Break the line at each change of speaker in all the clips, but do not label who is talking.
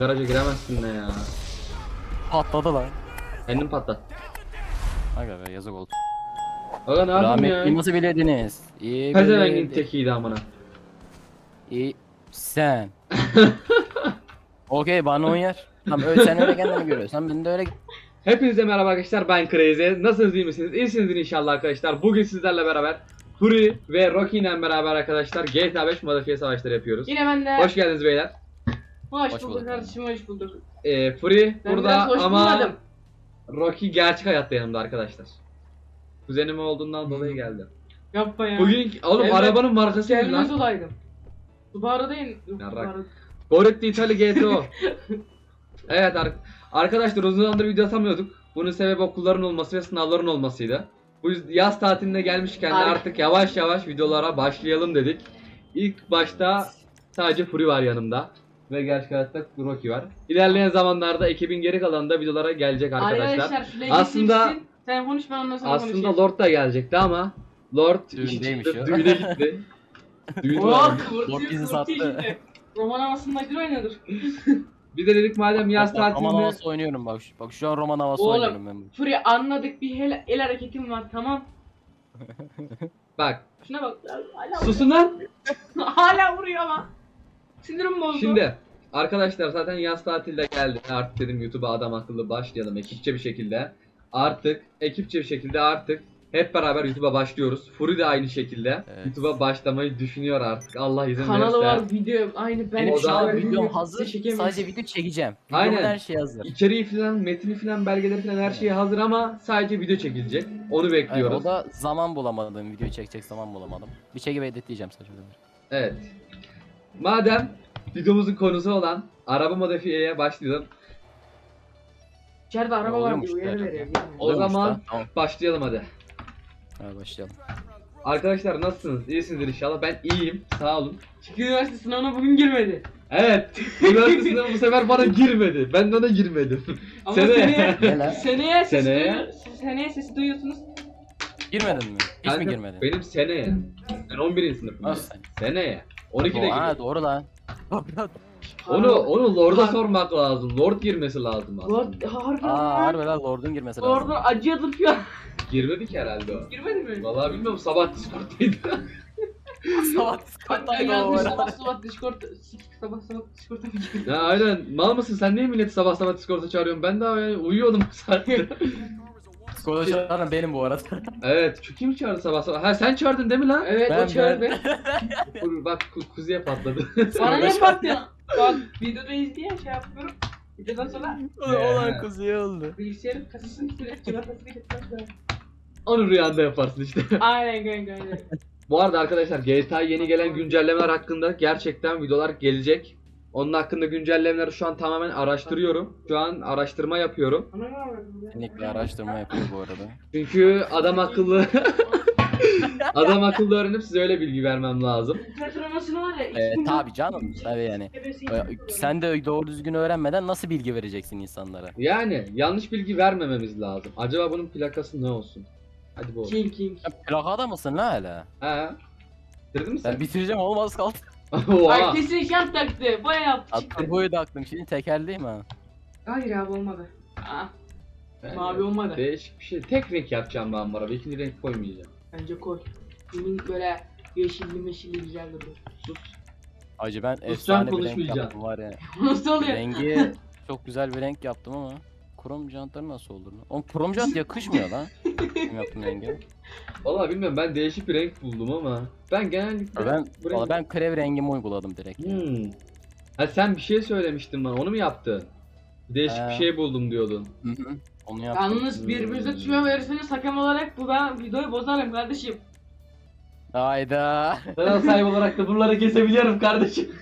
Garaja giremezsin ne ya.
Patladı lan.
Kendim patlat.
Aga be yazık oldu.
Aga ne yapayım
Rahmetli
ya?
nasıl bilediniz? İyi
Pezevengin
bilediniz.
tekiydi amına.
İyi. Sen. Okey bana uyar. Tamam öyle sen öyle kendini görüyorsan ben de öyle.
Hepinize merhaba arkadaşlar, ben Crazy. Nasılsınız, iyi misiniz? İyisinizdir inşallah arkadaşlar. Bugün sizlerle beraber Fury ve Rocky ile beraber arkadaşlar GTA 5 modifiye savaşları yapıyoruz.
Yine ben de.
Hoş geldiniz beyler.
Hoş
Hoş
bulduk
bulduk.
kardeşim, hoş bulduk.
Fury
Ben
burada
biraz hoş
ama
bulmadım.
Rocky gerçek hayatta yanımda arkadaşlar. Kuzenim olduğundan dolayı geldi.
Yapma ya.
Bugün oğlum
Evet.
arabanın markası ne
Gelmez
lan?
olaydım. Subaru değil.
Yarrak.
Subaru.
Goretti Italy GTO. Evet arkadaşlar, uzun zamandır video atamıyorduk. Bunun sebebi okulların olması ve sınavların olmasıydı. Bu yaz tatiline gelmişken de artık yavaş yavaş videolara başlayalım dedik. İlk başta sadece Fury var yanımda. Ve gerçek hayatta Rocky var. İlerleyen zamanlarda ekibin geri kalanında videolara gelecek arkadaşlar.
Şu legit
Aslında-
bitsin. Sen konuş, ben ondan sonra
Aslında
konuşayım.
Lord da gelecekti ama Lord
Düğündeymiş
işi
ya.
çıktı, düğüne gitti. Düğün var.
Oh, kıvırtıyor,
Lord bizi
kıvırtıyor
sattı.
işte. Roman havasında bir oynadır.
Bir de dedik madem yaz
Roman
tatilinde
havası oynuyorum bak. Bak şu an roman havası
Oğlum.
oynuyorum ben.
Fury anladık, bir el hareketim var, tamam.
bak
Şuna bak. Hala,
susun lan.
hala vuruyor ama. Sinirim bozdu.
Şimdi arkadaşlar zaten yaz tatilde geldi. Artık dedim YouTube'a adam akıllı başlayalım ekipçe bir şekilde. Artık hep beraber YouTube'a başlıyoruz. Fury de aynı şekilde
Evet.
YouTube'a başlamayı düşünüyor artık. Allah izin
Kanalı
verirse.
var, video aynı ben.
Benim
O
şu
da-
an
Böyle
videom
video
hazır.
çekemiyorum.
Sadece video çekeceğim. Videomun
Aynen.
her şey hazır.
İçeriği falan, metni falan, belgeleri falan her şey hazır ama sadece video çekilecek. Onu
Aynen,
bekliyoruz.
o da zaman bulamadım. Videoyu çekecek zaman bulamadım. Bir çekip editleyeceğim sadece.
Evet. Madem videomuzun konusu olan araba modifiyeye başlayalım.
İçeride araba var
Oluyormuş
diye uyarı
da.
veriyor.
O
Oluyormuş
zaman
da, tamam.
başlayalım hadi.
Hadi başlayalım.
Arkadaşlar nasılsınız? İyisinizdir inşallah. Ben iyiyim. Sağ olun.
Çünkü üniversite sınavına bugün girmedi.
Evet. Üniversite sınavı bu sefer bana girmedi. Ben de ona girmedim.
Ama
Seneye.
Ne lan?
seneye sesi duyuyorsunuz.
Girmedin mi? Hiç mi
Kanka,
girmedin?
benim seneye. Ben 11. sınıfım.
Nasıl?
Seneye. 12'de
Ha
gidiyor.
doğru lan.
Onu Lord'a
Har-
sormak lazım. Lord girmesi lazım aslında.
Lord harbi.
Aa harbi lan Lord'un girmesi lazım.
Orada acıyadır falan.
Girmedi ki herhalde o.
Girmedi mi?
Vallahi bilmiyorum, sabah Discord'daydı.
Sabah
Hatta
Discord'daydı o
yazmış
ara.
sabah Discord. Sabah Discord'a mı girdi?
Ya aynen. Mal mısın sen, niye milleti sabah Discord'a çağırıyorsun? Ben daha yani uyuyordum bu saatte.
Discord'a çağıran benim bu arada.
Evet. Şu kim çağırdı sabah? Ha sen çağırdın değil mi lan?
Evet
Ben-
o çağırdı.
Dur, bak kuzuya patladı.
Bana ne baktın? Bak videoda izleyen şey yapıyorum. Videodan sonra
Olan kuzuya oldu.
bilgisayarın kasasını kilitledim. Cıvatasını kilitledim.
Onu rüyanda yaparsın işte.
Aynen kanka aynen.
Bu arada arkadaşlar GTA yeni gelen güncellemeler hakkında gerçekten videolar gelecek. Onun hakkında güncellemeleri şu an tamamen araştırıyorum. Şu an araştırma yapıyorum.
Ana ne yapıyorsun?
Kesinlikle araştırma yapıyor bu arada.
Çünkü adam akıllı adam akıllı öğrenip size öyle bilgi vermem lazım.
Petromasını var ya.
Tabi canım. Tabi yani. Sen de doğru düzgün öğrenmeden nasıl bilgi vereceksin insanlara?
Yani yanlış bilgi vermememiz lazım. Acaba bunun plakası ne olsun? Hadi bu olsun.
King.
Sen plakada mısın la hala?
Ha? Bitirdin mi sen?
Ben bitireceğim olmaz kaldı.
Oha.
Ay kesin şant taktı. Baya yaptı.
Turboyu da aklım şimdi tekerleyim ha.
Hayır abi olmadı. Aa,
Yani
mavi olmadı.
Değişik bir şey. Tek renk yapacağım ben bu araba. İkinci renk koymayacağım.
Bence koy. Bunun böyle yeşilli meşilli güzel durur.
Sus.
Acı ben
Sus,
efsane
sen
bir renk
konuşmayacaksın.
yaptım var ya.
Nasıl oluyor?
Rengi çok güzel bir renk yaptım ama krom jantları nasıl olur lan? Oğlum krom jant yakışmıyor lan. Kim yaptım rengi?
Vallahi bilmiyorum, ben değişik bir renk buldum ama ben genellikle
Ben
bu renk-
valla ben krev rengimi uyguladım direkt.
Ha sen bir şey söylemiştin bana. Onu mu yaptın? Değişik bir şey buldum diyordun.
Hı hı. Onu yaptım.
Yalnız birbirinize tüyo verirseniz hakem olarak bu ben videoyu bozarım kardeşim.
Hayda.
Kanal sahibi olarak da bunları kesebiliyorum kardeşim.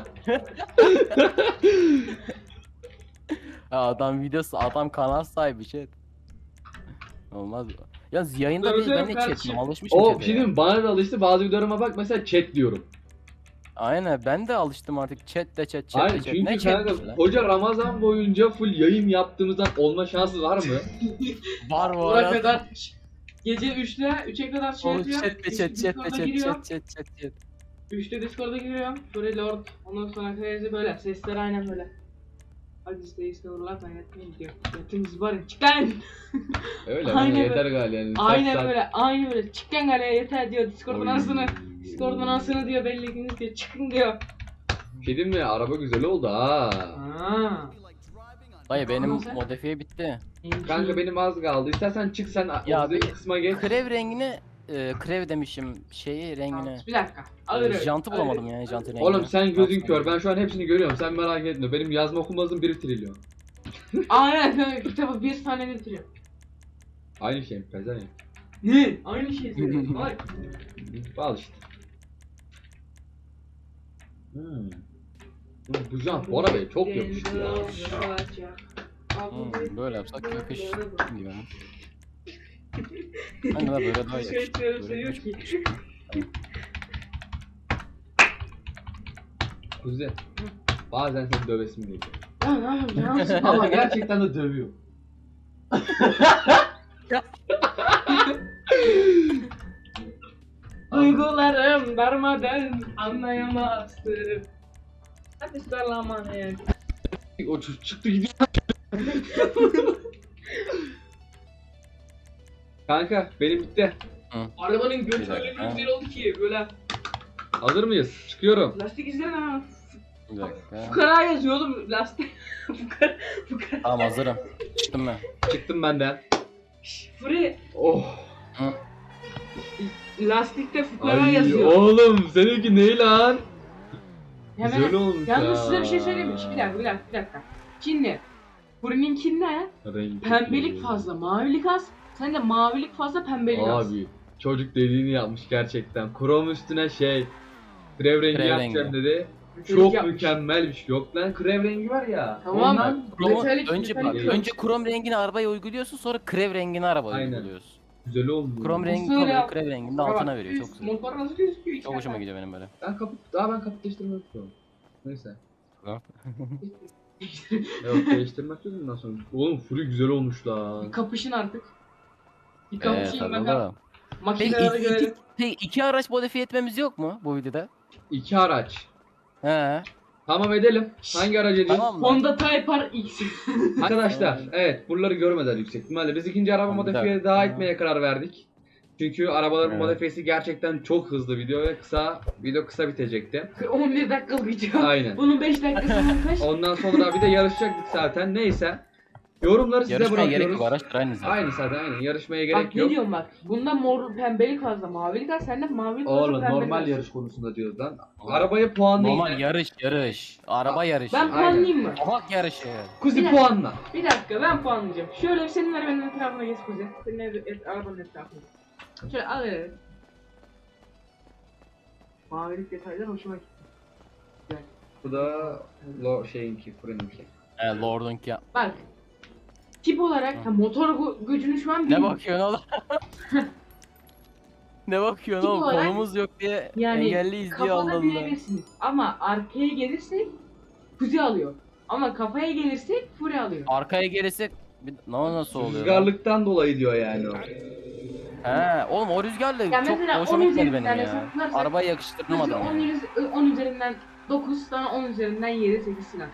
Adam kanal sahibi chat. Olmaz. Ya yayında
Tabii
değil ben
canım
de
kardeşim.
chat'im alışmışım
O
chat'e
bir şey
ya.
diyeyim mi? Bana da alıştı. Bazı videolarıma bak mesela chat diyorum.
Aynen ben de alıştım artık chat de chat
Hayır
de chat.
çünkü
Ne
kanka
chat lan?
koca Ramazan boyunca full yayın yaptığımızdan olma şansı var mı?
Var bu
Buna
arada.
kadar gece 3'e kadar şey
O
yapıyor.
chat de chat
Discord'a giriyorum.
chat.
3'te Discord'a giriyorum. Sonra Lord. Ondan sonra Crazy böyle. Sesleri aynen böyle. Hadi işte uğurlar ben yatmayayım diyor. Yatınız var ya çık lan.
Öyle
Aynen
mi? Yeter
böyle.
galiba yani.
Aynen böyle aynen böyle çık lan galeye yeter diyor. Discord'un
Oy.
anasını. Discord'un anasını diyor belli gününüz diyor çıkın diyor.
Bir şey diyeyim mi? Araba güzel oldu ha.
Aa.
Dayı benim
Nasıl?
modifiye bitti.
Kanka benim az kaldı. İstersen çık sen
Ya
o
bir-
kısma geç.
Krev rengine krev demişim rengine.
Bir dakika. Alır öyle.
Jantı
Alır.
bulamadım yani jantı rengini.
Oğlum sen gözün kör. Ben şu an hepsini görüyorum. Sen merak etme. Benim yazma okumazım 1 trilyon.
Aynen kanka kitabı bir tane bitiriyor.
Aynı şey mi? Pezevenk.
Ne? Aynı şey söylüyorsun. Ay.
Al işte. Bu jant bu arabaya çok yapıştı ya.
Böyle yapsak yakış gibi. Ben de böyle daha
Şey
yakış.
diyorum,
Böyle
seviyor
yakış.
ki.
Kuzi. Bazen seni dövesim geliyor.
Ya ne yapayım ya?
Ama gerçekten de dövüyor.
Duygularım darmadan anlayamazsın. Hadi sarlaman ya.
O çıktı gidiyor. Kanka benim bitti.
Arabanın götü
Bir
öyle
dakika.
bir güzel oldu ki böyle.
Hazır mıyız? Çıkıyorum.
Lastik izleme ha.
Bir dakika.
Fukara yazıyor oğlum lastik. Fukara.
Tamam hazırım. Çıktım ben.
Çıktım benden.
Free.
Oh.
Lastikte fukara
Ay
yazıyor.
oğlum seninki ne lan?
Hemen-
Güzel olmuş
Yalnız
ya.
size bir şey söyleyeyim mi? Bir dakika. Şimdi Furi'ninki ne?
Renk
Pembelik
çok iyi.
fazla, mavilik az. Sen de mavilik fazla, pembelik az.
Abi çocuk dediğini yapmış gerçekten. Krom üstüne krev rengi
Krev
yapacağım
rengi.
dedi.
Çocuk
Çok
yapmış.
mükemmel bir şey. Yok lan krev rengi var ya.
Tamam.
Ondan
Kromu,
Metalik,
önce bak,
metalik.
önce krom rengini arabaya uyguluyorsun, sonra krev rengini arabaya
Aynen.
uyguluyorsun.
güzel oldu.
Krom rengi
Nasıl
kalıyor,
ya?
krev rengini de
Bak,
altına veriyor. Çok
üst
güzel.
Motor nasıl gözüküyor?
Çok hoşuma gidiyor benim böyle.
Ben kaput değiştirmek istiyorum. Neyse.
Tamam.
Yok değiştirmek yok bundan sonra. Oğlum Fury güzel olmuş lan.
Kapışın artık. Bir kapışayım
Tabii
bakalım.
oğlum. Peki
Makinelere göre.
iki araç modifiye etmemiz yok mu bu videoda?
2 araç.
He.
Tamam edelim. Hangi aracı edelim?
Tamam mı?
Honda Type R X.
Arkadaşlar evet buraları görmediler yüksek ihtimalle. Biz ikinci araba
Tamam, bir
modifiye
dakika.
daha etmeye karar verdik. Çünkü arabaların
Evet.
modifiyesi gerçekten çok hızlı video ve video kısa bitecekti.
11 dakikalık video.
Aynen.
Bunun 5 dakikası kaç?
Ondan sonra bir de yarışacaktık zaten. Neyse. Yorumları size
Yarışmaya gerek
bırakıyoruz.
yok, araçlar aynı zaten.
Aynı zaten aynen. Yarışmaya
Bak
gerek
ne
yok.
diyorum bak. Bunda mor pembelik fazla, mavilik az. Sende mavilik fazla,
Oğlum
pembelik
normal
az.
yarış konusunda diyoruz lan. Arabayı puanlayın.
Normal yarış. Araba yarışı.
Ben
Aynen.
puanlayayım mı?
Tabak yarışı.
Kuzi
Bir
puanla.
Bir dakika ben puanlayacağım. Şöyle bir senin arabanın etrafına geç Kuzey. Senin arabanın etrafına. Şöyle al evet. Mavilik detaylar hoşuma gitti.
Bu da şeyinki, fırınınki.
Lord'unki ya.
Bak. Tip olarak motor gücünü şu an
Ne
bilmiyorum.
bakıyorsun oğlum? Ne bakıyorsun
Tip
oğlum?
olarak-
Konumuz yok diye
Yani
engelliyiz diye Allah
kafada
Allah.
bilebilirsiniz. Ama arkaya gelirsek Kuzey alıyor. Ama kafaya gelirsek Fury alıyor.
Arkaya gelirsek nasıl oluyor? lan?
Rüzgarlıktan dolayı diyor yani o.
He, oğlum o rüzgarla
Ya
çok
mesela
hoşuma
10
gitmedi benim
üzerinden
ya.
hesaplarsak-
Arabayı
Kuzey
yakıştıramadım yani.
10 üzerinden 9, sana 10 üzerinden 7, 8 falan.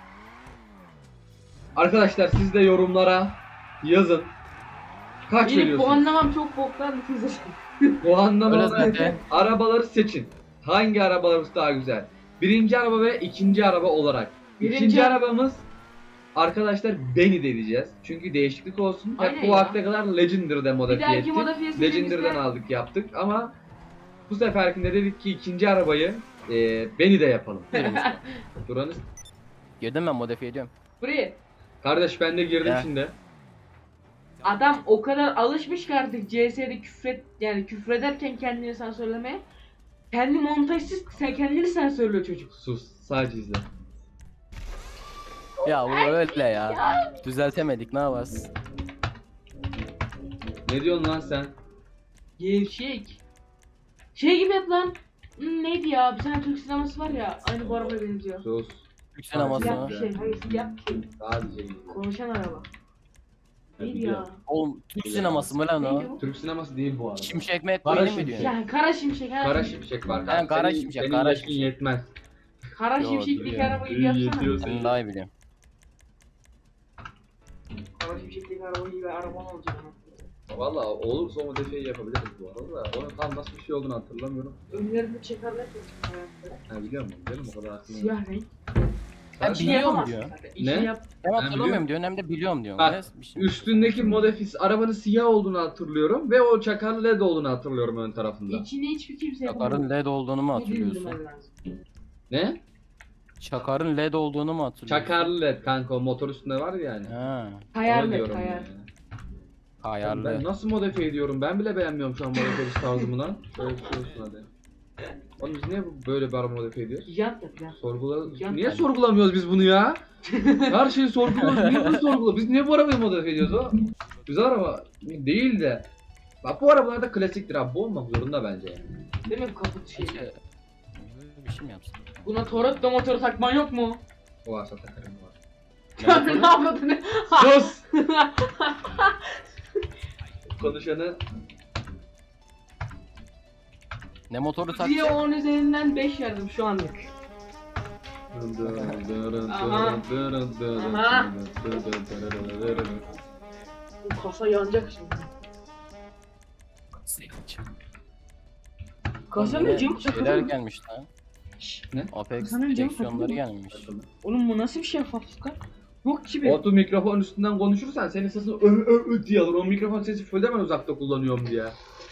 Arkadaşlar siz de yorumlara yazın. Kaç
Benim
veriyorsunuz?
puanlamam çok boktan Kuzey.
Öyle
Puanlama
zaten.
arabaları seçin. Hangi arabalarımız daha güzel? Birinci araba ve ikinci araba olarak.
Birinci-
İkinci arabamız arkadaşlar Benny diyeceğiz. Çünkü değişiklik olsun.
Aynen
Hep bu
ya.
vakte kadar Legendary'de
Bir
modifiye
dahaki
ettik.
modifiyesi
Legendary'den aldık yaptık ama bu seferkinde dedik ki ikinci arabayı Benny'de yapalım. Duranız.
Girdim ben modifiye ediyorum.
Buraya.
Kardeş ben de girdim
Ya.
şimdi.
Adam o kadar alışmış ki artık CS'de küfrederken kendini sansürlemeye. Kendi montajsız sen kendini sansürlüyor çocuk.
Sus sadece izle.
Ya bu öyle ya. Düzeltemedik ne yaparız?
Ne diyorsun lan sen?
Gevşek. Şey gibi yap lan. Neydi ya? Bir tane Türk sineması var ya. Aynı bu arabaya benziyor.
Sus.
Türk sineması
Siyah
mı?
bir şey. Hayır siyah bir şey.
Sadece izle.
Konuşan araba.
Ya
Neydi
biliyorum.
ya?
Oğlum Türk sineması mı lan
Neydi
o?
bu?
Türk sineması değil bu arada.
Şimşek mi
Kara
mi
Şimşek.
diyorsun?
Ya Kara Şimşek.
Kara Şimşek var.
Ha, Kara
Senin-
Şimşek,
senin
Kara
yaşın
Şimşek.
yetmez.
Kara
Yo,
Şimşek'teki
biliyorum.
arabayı
İyi
yapsana.
yetiyorsun.
Ben daha iyi biliyorum.
Savaş Şimşek'teki araba gibi araban olacak ama.
Valla olursa o modifiye yapabiliriz bu arada da. Onun tam nasıl bir şey olduğunu hatırlamıyorum.
Önlerinde çekerler yapacak hayatta.
Ha biliyor musun? Canım o kadar aklımda.
Siyah renk.
Ben
İşini
biliyorum
yapamazsın
diyor.
zaten.
Ne?
İşini yap.
Ben
Ben
hatırlamıyorum diyor. Hem de biliyorum diyor.
Bak,
Ne? Bir şey.
Üstündeki modifis arabanın siyah olduğunu hatırlıyorum ve o çakarlı led olduğunu hatırlıyorum ön tarafında.
İçini hiçbir kimse yapamaz.
Çakarın LED olduğunu mu
Bir dinlemen
hatırlıyorsun?
lazım.
Ne?
Çakarın LED olduğunu mu hatırlıyorsun?
Çakarlı led kanka o motor üstünde var ya yani.
Ha.
Onu
Hayal et,
diyorum
hayal.
yani. Ben
Ayarlı.
nasıl modifiye ediyorum? Ben bile beğenmiyorum şu an modifiye tarzımı lan. Şöyle bir şey olsun hadi. Oğlum biz niye böyle bir araba modifiye ediyoruz?
Jant yap ya.
Niye
Yani.
sorgulamıyoruz biz bunu ya? Her şeyi sorguluyoruz. Niye bunu sorguluyoruz? Biz niye bu arabayı modifiye ediyoruz o? Güzel araba değil de. Bak bu arabalar da klasiktir abi. Bu olmak zorunda bence yani.
Değil mi kaput şey?
Keşke böyle bir şey mi yapsın?
Buna Toretto motoru takman yok mu?
O varsa takarım var.
Sen ne yapmadın?
Sus! Konuşanı
Ne motoru
Diye
takacak?
10 üzerinden 5 verdim şu anlık. Aha. Bu kasa yanacak şimdi. Kasanın
Yine
camı
şeyler
takılır mı?
gelmiş lan.
Ne?
Apex
Kasanın camı
direksiyonları
takılır mı?
gelmiş.
Oğlum bu nasıl bir şey şeffaflık lan? Yok ki bir.
Otu mikrofon üstünden konuşursan senin sesin ö diye alır. O mikrofon sesi full ben uzakta kullanıyorum diye.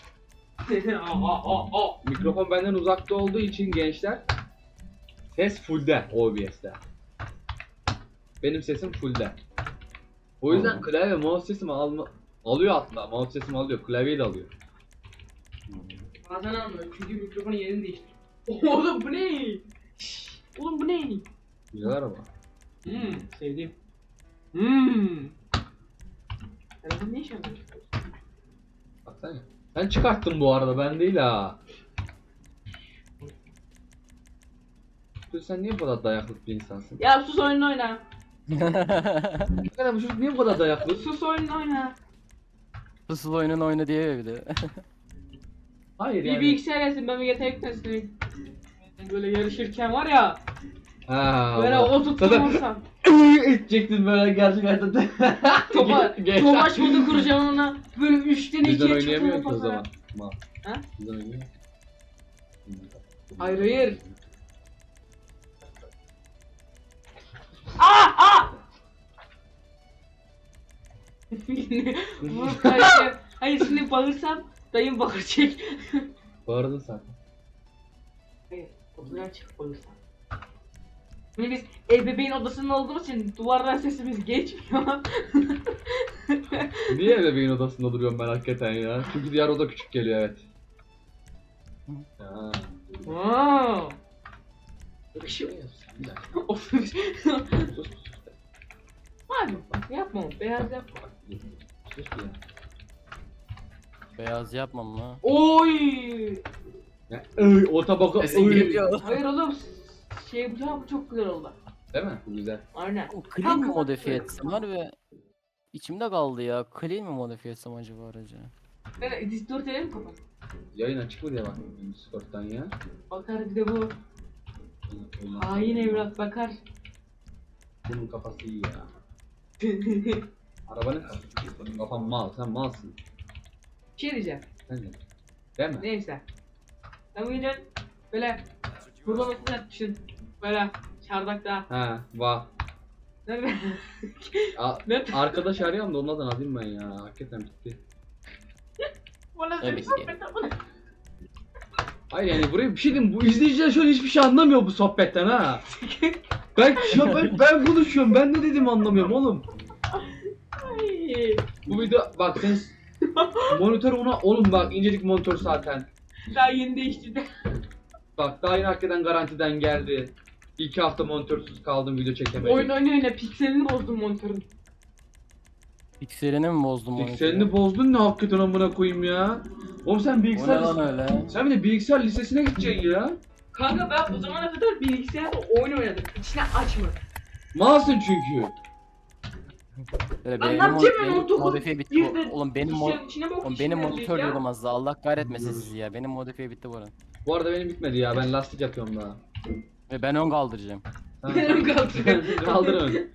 Mikrofon benden uzakta olduğu için gençler ses fullde OBS'de. Benim sesim fullde. O yüzden klavye mouse sesimi alıyor hatta. Mouse sesimi alıyor. Klavyeyi de alıyor.
Bazen anlıyorum çünkü mikrofonun yerini değiştir. Oğlum bu ne? Şşş, oğlum bu ne?
Güzel araba.
Sevdim. Sen ne iş yapıyorsun?
Baksana. Sen çıkarttın bu arada ben değil ha. Sen niye bu kadar dayaklık bir insansın?
Ya sus oyununu oyna.
Hakikaten bu çocuk niye bu kadar dayaklı?
Sus oyununu oyna.
Fısıl oyunun oyunu diye bir de.
Hayır
Bir
yani.
bilgisayar yesin ben bir yetenek testi. Böyle yarışırken var ya.
Ha,
Böyle
Allah.
o tuttum olsam.
edecektin böyle gerçek hayatta.
Tomaç modu kuracağım ona. Böyle 3'ten
Bizden
2'ye
oynayamıyor
çıktım
ki o zaman.
o
Mal.
Ha?
Bizden oynayamıyor.
Hayır hayır. Aa! Vurup kaçacağım. Hayır şimdi bağırsam dayım bağıracak.
Bağırdın sen.
Hayır, odadan çıkıp bağırsam. Şimdi biz ebeveyn odasında olduğumuz için duvardan sesimiz geçmiyor.
Niye bebeğin odasında duruyorum ben hakikaten ya? Çünkü diğer oda küçük geliyor evet. Ha.
Wow.
Yakışıyor. Bir dakika.
Of.
Sus.
Abi yapma onu, beyaz yapma.
Sus ya.
Beyaz yapmam lan.
Oy.
Ya, o tabaka.
Sesin geliyor.
Hayır oğlum bu çok güzel oldu.
Değil mi? Bu güzel.
Aynen.
Clean mi
Kanka,
modifiye etsem var ve içimde kaldı ya. Clean mi modifiye etsem acaba aracı?
Ben Discord mi kapat?
Yayın açık mı diye bakıyorum Discord'dan ya.
Bakar bir de bu. Hain evlat bakar.
Bunun kafası iyi ya. Arabanın kafası. Senin kafan mal. Sen malsın.
Bir şey diyeceğim.
Sen de. Değil mi?
Neyse. Ben bu yüzden böyle kurulamasını yapmışsın. Böyle çardakta.
Ha, vah.
Nerede? Ne?
Arkadaş arıyorum da onlardan alayım ben ya. Hakikaten bitti.
Bana
Evet,
bir sohbet yapma.
Hayır yani buraya bir şey diyeyim. Bu izleyiciler şöyle hiçbir şey anlamıyor bu sohbetten ha. ben konuşuyorum. Ben ne dediğimi anlamıyorum oğlum.
Ay.
Bu video bak sen monitör ona oğlum bak incecik monitör zaten.
Daha yeni değiştirdim.
Bak daha yeni hakikaten garantiden geldi. 2 hafta monitörsüz kaldım video çekemedim.
Oyun oyna pikselini bozdum monitörün.
Pikselini mi bozdum onu?
Pikselini bozdun ne hakikaten amına koyayım ya. Oğlum sen
O ne
bilgisayar
lan öyle?
sen bir de bilgisayar lisesine gideceksin ya.
Kanka ben bu zamana kadar bilgisayarda oyun oynadım. İçine açma.
Malsın çünkü.
Böyle
Lan
benim
ne yapacağım ben,
benim
19
modifiye bitti.
bir de
Oğlum benim
bilgisayarın içine bak,
Oğlum
içine
benim
girecek
monitör
ya.
diyordum az daha. Allah kahretmesin sizi ya. Benim modifiye bitti bu arada.
Bu arada benim bitmedi ya ben lastik yapıyorum daha.
Ve ben ön kaldıracağım.
Ha.
Benim kaldırıyorum.
Kaldır ön.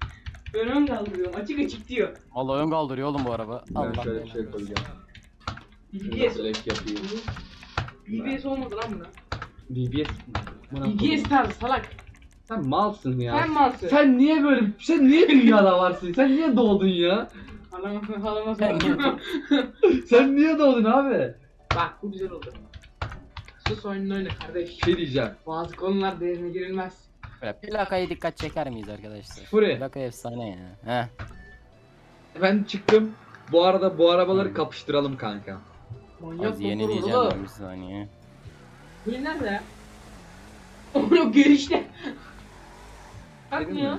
Ben ön kaldırıyorum. Açık açık diyor.
Vallahi ön kaldırıyor oğlum bu araba.
Ben
Allah
şöyle bir
belanı.
şey koyacağım.
BBS.
Black yapayım.
BBS olmadı lan buna.
BBS.
BBS tarzı salak.
Sen malsın ya.
Sen malsın.
Sen niye dünyada varsın? Sen niye doğdun ya?
Halama
Ben
sor.
Sen niye doğdun abi?
Bak bu güzel oldu. Sus oyununu oyna kardeş.
Şey diyeceğim.
Bazı konular derine girilmez.
Böyle plakaya dikkat çeker miyiz arkadaşlar?
Furi.
Plaka efsane ya. Heh.
Ben çıktım. Bu arada bu arabaları kapıştıralım kanka.
Manyak
Az yeni
motor
diyeceğim
oğlum.
ben bir saniye.
Bu nerede ya? Onu görüşte. Kalkmıyor.
mi?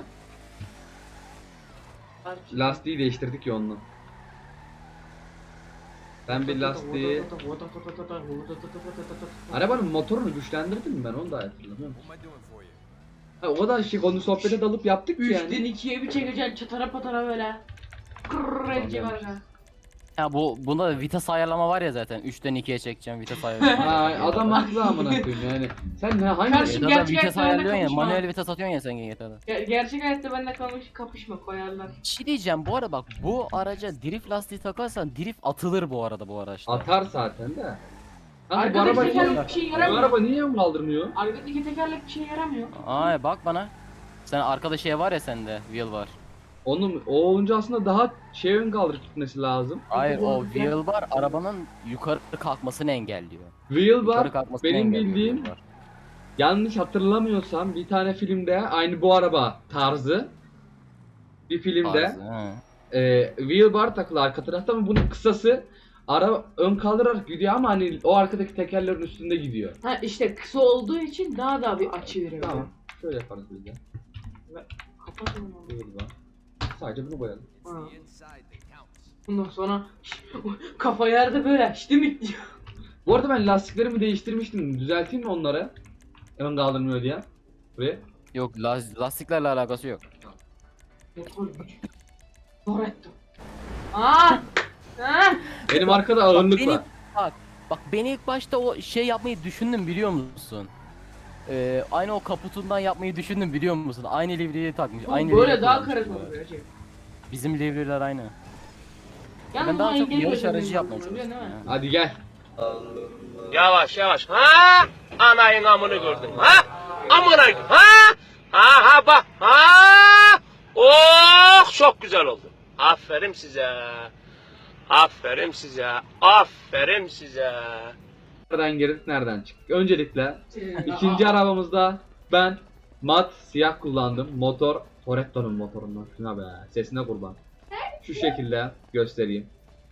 Lastiği değiştirdik ya onunla. Ben bir lastiği... Arabanın motorunu güçlendirdim mi ben onu da hatırlamıyorum. Ha, o kadar şey konu sohbete dalıp yaptık ki
3'ten
yani.
2'ye bir çekeceksin çatara patara böyle. Kırrrr edecek
Tamam.
arka.
Ya bunda da vites ayarlama var ya zaten. 3'ten 2'ye çekeceğim vites ayarlama.
Ha, adam haklı amına koyayım yani. Sen ne hangi
Karşı-
GTA'da
gerçek
vites
hayatta
ayarlıyorsun ya.
kapışma.
Manuel vites atıyorsun ya sen GTA'da.
Gerçek hayatta benimle kapışma koyarlar.
Bir şey diyeceğim bu arada bak bu araca drift lastiği takarsan drift atılır bu arada bu araçta.
atar zaten de. Kanka bu
Arkadaki
araba niye,
tekerlek bir şey
bu
yaramıyor.
araba niye ön kaldırmıyor?
Arkadaki tekerlek bir şey yaramıyor.
Ay bak bana. Sen arkada şey var ya sende wheel var.
O olunca aslında daha şey ön kaldırıp gitmesi lazım.
Hayır o
bu-
wheel var arabanın yukarı kalkmasını engelliyor.
Wheel
Yukarı
var.
kalkmasını
Benim
engelliyor
bildiğim
wheel var.
yanlış hatırlamıyorsam bir tane filmde aynı bu araba tarzı bir filmde
Tarzı, he.
wheel bar takılı arka tarafta ama bunun kısası ara ön kaldırarak gidiyor ama hani o arkadaki tekerlerin üstünde gidiyor.
Ha işte kısa olduğu için daha bir açı veriyor.
Tamam. Şöyle yaparız biz de.
Kapat onu.
Wheel bar. Sadece bunu koyalım.
Ha. Ondan sonra kafa yerde böyle işte mi diyor.
Bu arada ben lastiklerimi değiştirmiştim. Düzelteyim mi onları? Ön kaldırmıyor diye. Buraya.
Yok lastiklerle alakası yok.
Motor güç. Toretto. Aa! Ha!
Benim arkada ağırlık
Benim-
var.
Bak ben ilk başta o şey yapmayı düşündüm biliyor musun? Aynı o kaputundan yapmayı düşündüm biliyor musun? Aynı livreyi takmış. Aynı
Böyle
livreyi
daha
kullanmış
karizma
bu arada.
oluyor Recep.
Bizim livreler aynı.
Yalnız
Ben daha
bunu
çok
engel
yarış
gözüyle
aracı yapmaya
yapıyorum,
çalıştım.
biliyorsun değil mi?
ya.
Hadi gel.
Yavaş yavaş. Ha? Anayın amını gördüm. Ha? Amına ha? Ha bak. Ha? Oh çok güzel oldu. Aferin size. Aferin size. Aferin size.
Nereden girdik nereden çıktık? Öncelikle ikinci arabamızda ben mat siyah kullandım. Motor Toretto'nun motorundan. Şuna be. Sesine kurban. Şu şekilde göstereyim.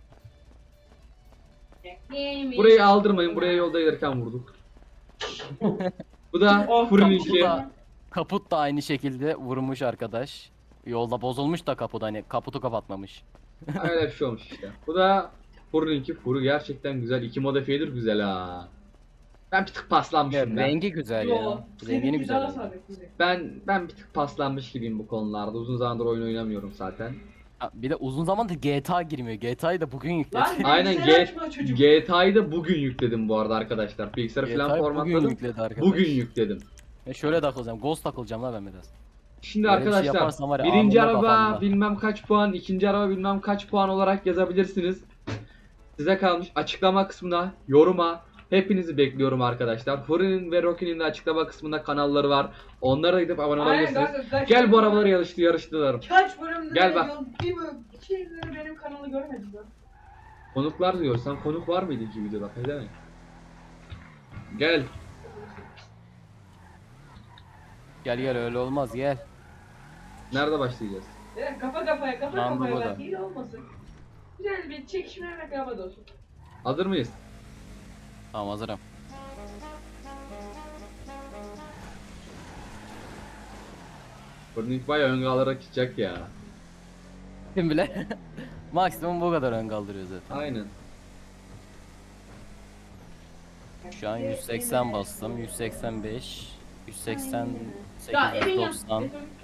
Burayı aldırmayın. Buraya yolda gelirken vurduk. Bu da
Oh,
Furi'ninki.
Kaput da aynı şekilde vurmuş arkadaş. Yolda bozulmuş da kaput hani kaputu kapatmamış.
Öyle bir şey olmuş işte. Bu da Furi'ninki. Furi gerçekten güzel. İki modifiyedir güzel ha. Ben bir tık
Ya,
paslanmışım ben.
rengi güzel ya. Rengini güzel. Yani.
Ben bir tık paslanmış gibiyim bu konularda. Uzun zamandır oyun oynamıyorum zaten.
Ha, bir de uzun zamandır GTA girmiyor. GTA'yı da bugün yükledi.
Lan
Aynen
bilgisayar açma çocuk.
GTA'yı da bugün yükledim bu arada arkadaşlar. Bilgisayarı falan
GTA'yı bugün
formatladım.
yükledi arkadaş.
Bugün yükledim.
Şöyle takılacağım. Ghost takılacağım la ben biraz.
Şimdi
Böyle bir şey
arkadaşlar
yaparsam var ya,
birinci
anında
araba
kafamda.
bilmem kaç puan, ikinci araba bilmem kaç puan olarak yazabilirsiniz. Size kalmış. Açıklama kısmına, yoruma hepinizi bekliyorum arkadaşlar. Furi'nin ve Rocky'nin de açıklama kısmında kanalları var. Onlara gidip abone olabilirsiniz. Gel bu arabaları yarıştıralım.
Kaç bölümde
Gel bak.
Bir bölüm, iki bölüm benim kanalı görmedin lan.
Konuklar diyorsan konuk var mıydı ki videoda? Ne demek? Gel.
Gel öyle olmaz gel.
Nerede başlayacağız?
Kafa kafaya
Lan bu
bak
da.
iyi olmasın. Güzel bir çekişme rekabet olsun.
Hazır mıyız?
Tamam hazırım.
Furi'nin bayağı ön alarak gidecek ya.
Kim bile? Maksimum bu kadar ön kaldırıyor zaten.
Aynen.
Şu an 180 bastım. 185, 188,
Ya evin
190.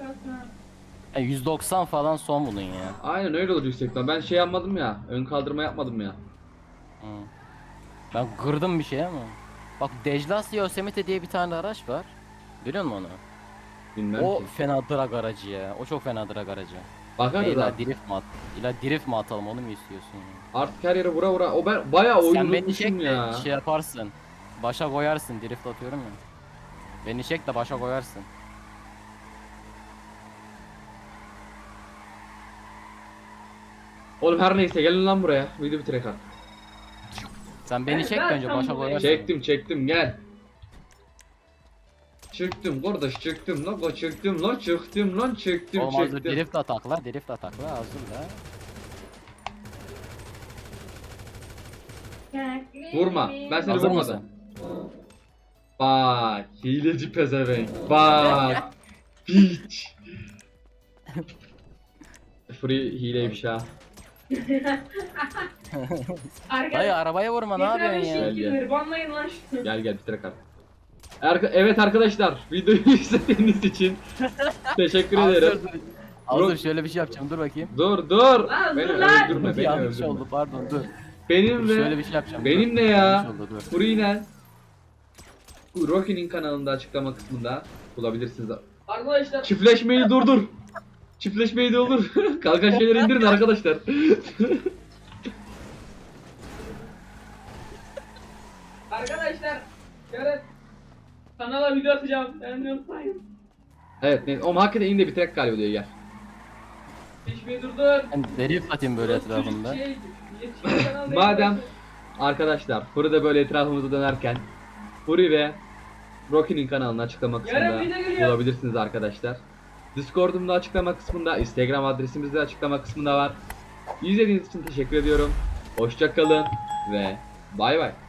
190 falan son bunun ya.
Aynen öyle olur yüksekten. Ben şey yapmadım ya. Ön kaldırma yapmadım ya.
Hı. Ben kırdım bir şey ama. Bak Dejlas Yosemite diye bir tane araç var. Biliyor musun onu?
Bilmem
O
ki.
fena drag aracı ya. O çok fena drag aracı.
Bakarız
İlla
artık.
drift mi atalım onu mu istiyorsun ya?
Artık her yere vura vura. O ben bayağı oyun
Sen beni
unutmuşum
çek de
ya.
şey yaparsın. Başa koyarsın drift atıyorum ya. Beni çek de başa koyarsın.
Oğlum her neyse gelin lan buraya. Video bitirek artık.
Sen beni
Ben
çek de önce
zaten
başa
buraya
koyarsın.
Çektim gel. Çıktım kardeş çıktım lan çıktım lan çıktım lan çıktım
Olmaz dur
çıktım.
drift atakla hazır da.
Vurma. Ben seni
Hazır
vurmadım.
mısın?
Bak hileci pezevenk. Bak. Piç. Free hileymiş ha.
Dayı arabaya vurma ne yapıyorsun ya?
Gel, gel.
Hırbanlayın lan şunu.
Gel bitirek artık. Evet arkadaşlar videoyu izlediğiniz için teşekkür ederim.
Hazır şöyle bir şey yapacağım dur bakayım.
Dur.
Lan,
Beni
dur lan.
öldürme beni
Yanlış
öldürme.
oldu pardon dur.
Benim
Dur, şöyle
ve
bir şey yapacağım.
benim
dur.
ne ya?
Yanlış oldu, dur.
Free Rocky'nin kanalında açıklama kısmında bulabilirsiniz.
Arkadaşlar
Çiftleşmeyi durdur. Çiftleşmeyi durdur. Kalkan şeyleri indirin arkadaşlar.
yarın kanala video atacağım. Ben de unutmayın.
Evet neyse. Oğlum hakikaten in de bitirek galiba diyor gel.
Hiçbir durdur.
Ben drift atayım böyle etrafında.
Madem arkadaşlar Furi'de böyle etrafımızda dönerken Furi ve Rocky'nin kanalını açıklama
Yarın
kısmında
video geliyor.
bulabilirsiniz arkadaşlar. Discord'umda açıklama kısmında, Instagram adresimiz de açıklama kısmında var. İzlediğiniz için teşekkür ediyorum. Hoşça kalın ve bay bay.